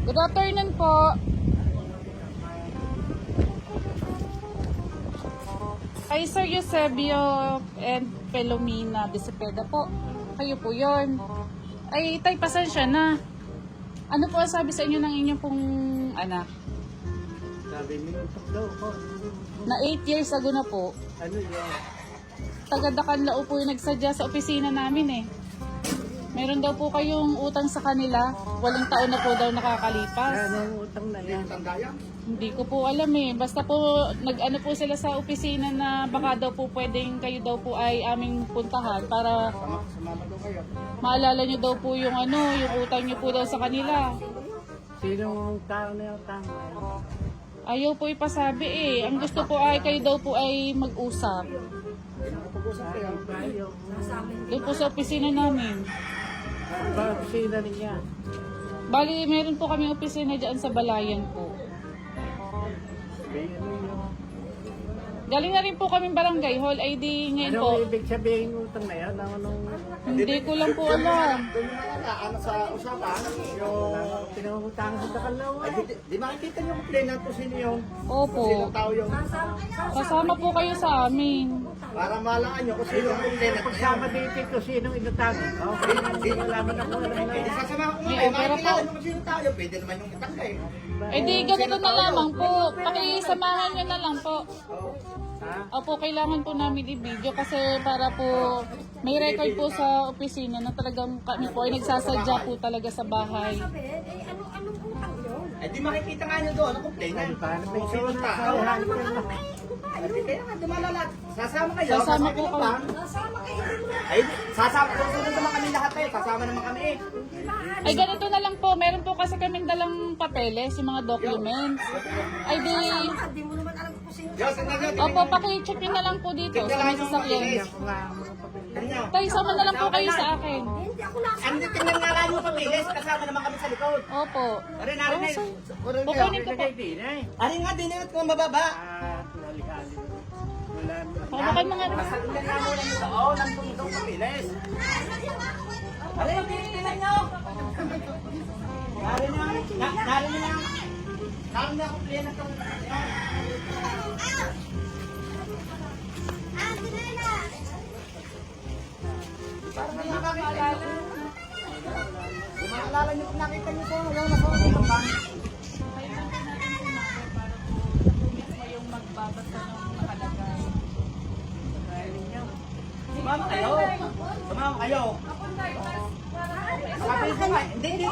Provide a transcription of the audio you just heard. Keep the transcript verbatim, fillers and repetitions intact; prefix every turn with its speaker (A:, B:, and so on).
A: Good afternoon po. Kay Sir Eusebio and Pelomina de Cepeda po. Kayo po yun. Ay, tay, pasensya na. Ano po ang sabi sa inyo ng inyong pong anak?
B: Sabi niyo, utak daw ko.
A: Na eight years ago na po,
B: Ano yun?
A: taga-Dacanlao po yung nagsadya sa opisina namin eh. Meron daw po kayong utang sa kanila. Walang taon na po daw nakakalipas.
B: Ano ang utang na yan?
A: Hindi ko po alam eh. Basta po nag-ano po sila sa opisina na baka daw po pwedeng kayo daw po ay aming puntahan para
B: Sumama daw kayo.
A: maalala nyo daw po yung ano, yung utang nyo po daw sa kanila.
B: Sinong tao na yung utang?
A: Ayaw po ipasabi eh. Ang gusto po ay kayo daw po ay mag-usap.
B: Pag-usap kayo. Tayo.
A: Doon po sa opisina namin.
B: Ba, sina niya.
A: Bali, meron po kami opisina dyan sa Balayan po.
B: Sabi, ano yun?
A: Galing na rin po kami barangay hall I D ngayon po.
B: Ano ibig sabihin ng utang na yan? Ano nung
A: Hindi ko lang po alam.
C: Doon mo na ano sa usapan, yung...
B: pinangutang sa Dacanlao?
C: Ay, di, di makikita niyo kung play kung sino yung...
A: Opo.
C: Sinong tao yung...
A: Kasama po kayo sa amin.
C: Para malangan niyo kung sino yung play na
B: Pagsama dito kung sinong inutang. Okay, malaman ako alam na
C: Eh, di
B: yan.
C: sasama ko
A: May
C: ngayon,
A: opera
C: makikilala
A: po.
C: niyo kung sino tao yung pwede naman yung utang ka eh.
A: Eh di, ganito na lamang po. Pakisamahan nyo na lang po.
B: Ha?
A: Opo, kailangan po namin i-video kasi para po may record po sa opisina na talagang kami po ay nagsasadya po talaga sa bahay.
D: Eh, ano, anong utang yun?
C: Eh, di makikita nga niyo doon, ang play na.
B: Ano pa? Ano pa
C: Kung sino
B: yung
C: tao.
B: tao?
C: Eh, di kaya nga, dumalala. Sasama kayo.
A: Sasama po
C: kayo
A: kami.
C: ba?
D: Nasama kayo din mo.
C: Ay, sasama. Susunod naman kami lahat eh. Sasama naman kami eh.
A: Ay ganito na lang po, meron po kasi kaming dalang papeles, yung mga documents. Ay di,
D: Ah, di mo naman alam kung sino.
C: Diyos, tingnan niyo.
A: opo, paki-check nyo na lang po dito sa may sasakyan.
B: Ako nga ang mga papel.
C: Tingnan niyo.
A: Tay, sama na lang po kayo sa akin.
D: Hindi ako nasa.
C: Ano, tingnan nga lang yung papilis. Kasama naman kami sa likod.
A: Opo.
C: Arin, arin na yun. Arin na
A: Kukunin
C: yun.
A: ko po.
B: Ilagay din eh.
C: Arin nga, din yun kung mababa.
B: Ah, hali-hali. Wala na.
A: Baka kayo mga...
C: Basta tingnan nga muna nito. Oo, nandun itong papilis. Arin, tingnan nyo. Narin na. na- Narin na. Narin na kung play na itong... Parang may nakakita nyo. Kung maalala nyo kung nakita nyo po, yung nasa yung bang.
A: yung magbabasa ng nakalagay.
C: Sumama kayo. Sumama kayo. Sabi ko nga, hindi, hindi.